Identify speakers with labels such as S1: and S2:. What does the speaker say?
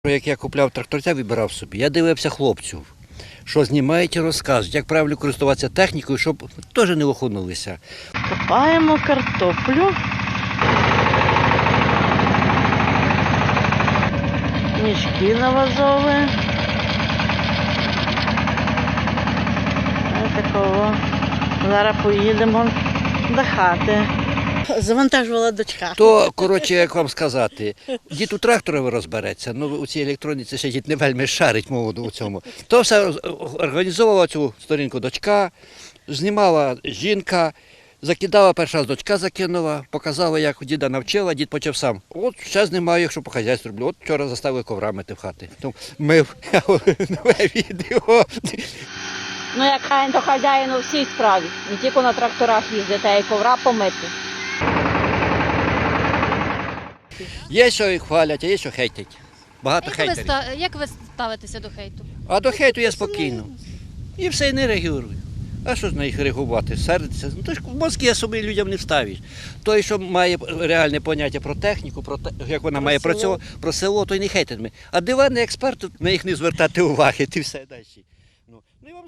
S1: Як я купляв тракторця, вибирав собі, я дивився хлопців, що знімають і розказують, як правильно користуватися технікою, щоб теж не охонулися.
S2: Копаємо картоплю. Мішки навазові. Ось такого. Зараз поїдемо до хати. Завантажувала дочка.
S1: То, коротше, як вам сказати, дід у тракторі розбереться, ну у цій електроніці ще дід не вельми шарить мову у цьому. То все організовувала цю сторінку дочка, знімала жінка, закидала, перша раз дочка закинула, показала, як діда навчила, дід почав сам. От ще знімаю, якщо по хазяйству роблю. От вчора заставили ковра мити в хати. Тому мив нове відео.
S3: Ну, як хай то хазяїн у всій справі, не тільки на тракторах їздити, а й ковра помити.
S1: Є, що їх хвалять, а є, що хейтять. Багато хейтерів.
S4: Як ви ставитеся до хейту?
S1: А до хейту я спокійно. І все, і не реагую. А що ж на їх реагувати? Сердиться? Ну, то ж в мозки собі людям не вставиш. Той, що має реальне поняття про техніку, про те, як вона має працювати, про село, той не хейтить. А диванний експерт, на їх не звертати уваги, ти все далі.